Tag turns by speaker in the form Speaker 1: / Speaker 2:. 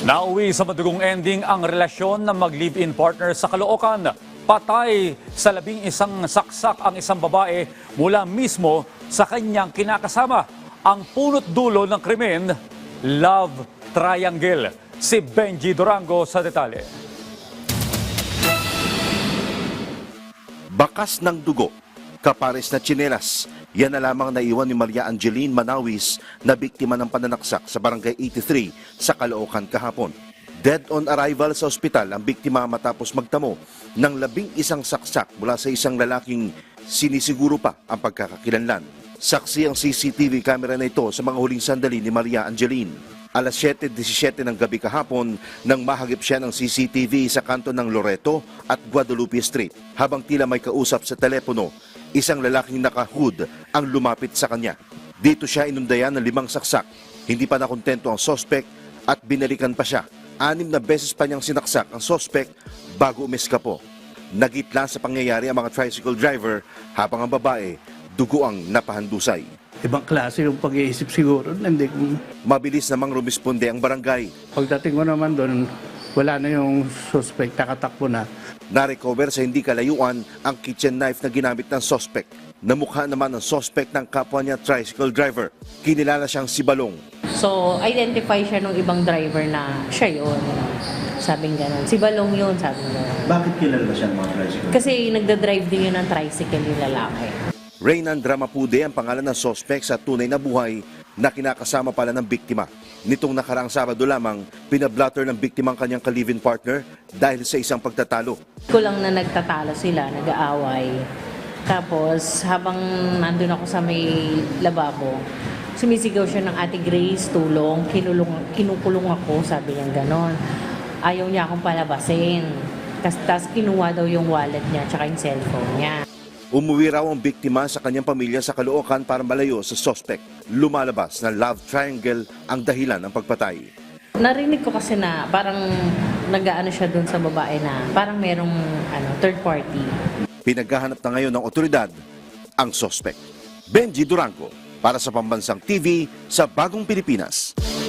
Speaker 1: Nauwi sa madugong ending ang relasyon ng mag-live-in partner sa Caloocan. Patay sa 11 saksak ang isang babae mula mismo sa kanyang kinakasama. Ang punot dulo ng krimen, love triangle. Si Benji Durango sa detalye.
Speaker 2: Bakas ng dugo, kapares na tsinelas. Yan na lamang naiwan ni Maria Angeline Manawis na biktima ng pananaksak sa Barangay 83 sa Caloocan kahapon. Dead on arrival sa ospital ang biktima matapos magtamo ng 11 saksak mula sa isang lalaking sinisiguro pa ang pagkakakilanlan. Saksi ang CCTV camera na ito sa mga huling sandali ni Maria Angeline. Alas 7:17 ng gabi kahapon nang mahagip siya ng CCTV sa kanto ng Loreto at Guadalupe Street. Habang tila may kausap sa telepono, isang lalaking naka-hood ang lumapit sa kanya. Dito siya inundayan ng 5 saksak. Hindi pa nakontento ang sospek at binalikan pa siya. 6 na beses pa niyang sinaksak ang sospek bago umeskapo. Nagitla sa pangyayari ang mga tricycle driver habang ang babae dugo ang napahandusay.
Speaker 3: Ibang klase yung pag-iisip siguro. Hindi ko...
Speaker 2: Mabilis namang rumisponde ang barangay.
Speaker 3: Pagdating ko naman doon, wala na yung suspect, nakatakbo na.
Speaker 2: Na-recover sa hindi kalayuan ang kitchen knife na ginamit ng sospek. Namukha naman ang sospek ng kapwa niya tricycle driver. Kinilala siyang si Balong.
Speaker 4: So, identify siya ng ibang driver na siya yun. Sabing gano'n. Si Balong yun, sabi mo.
Speaker 5: Bakit kilala siya ng mga tricycle?
Speaker 4: Kasi nagda-drive din yun ng tricycle yung lalaki.
Speaker 2: Reynan Dramapude ang pangalan ng sospek sa tunay na buhay na kinakasama pala ng biktima. Nitong nakaraang Sabado lamang, pinablatter ng biktima ang kanyang ka-live-in partner dahil sa isang pagtatalo.
Speaker 4: Ko lang na nagtatalo sila, nag-aaway. Tapos, habang nandun ako sa may lababo, sumisigaw siya ng Ate Grace, tulong, kinukulong ako, sabi niya gano'n. Ayaw niya akong palabasin. Tapos kinuha daw yung wallet niya at yung cellphone niya.
Speaker 2: Umuwi raw ang biktima sa kanyang pamilya sa Caloocan para malayo sa sospek. Lumalabas na love triangle ang dahilan ng pagpatay.
Speaker 4: Narinig ko kasi na parang nag-aano siya dun sa babae na parang merong third party.
Speaker 2: Pinaghahanap na ngayon ng otoridad ang sospek. Benji Durango para sa Pambansang TV sa Bagong Pilipinas.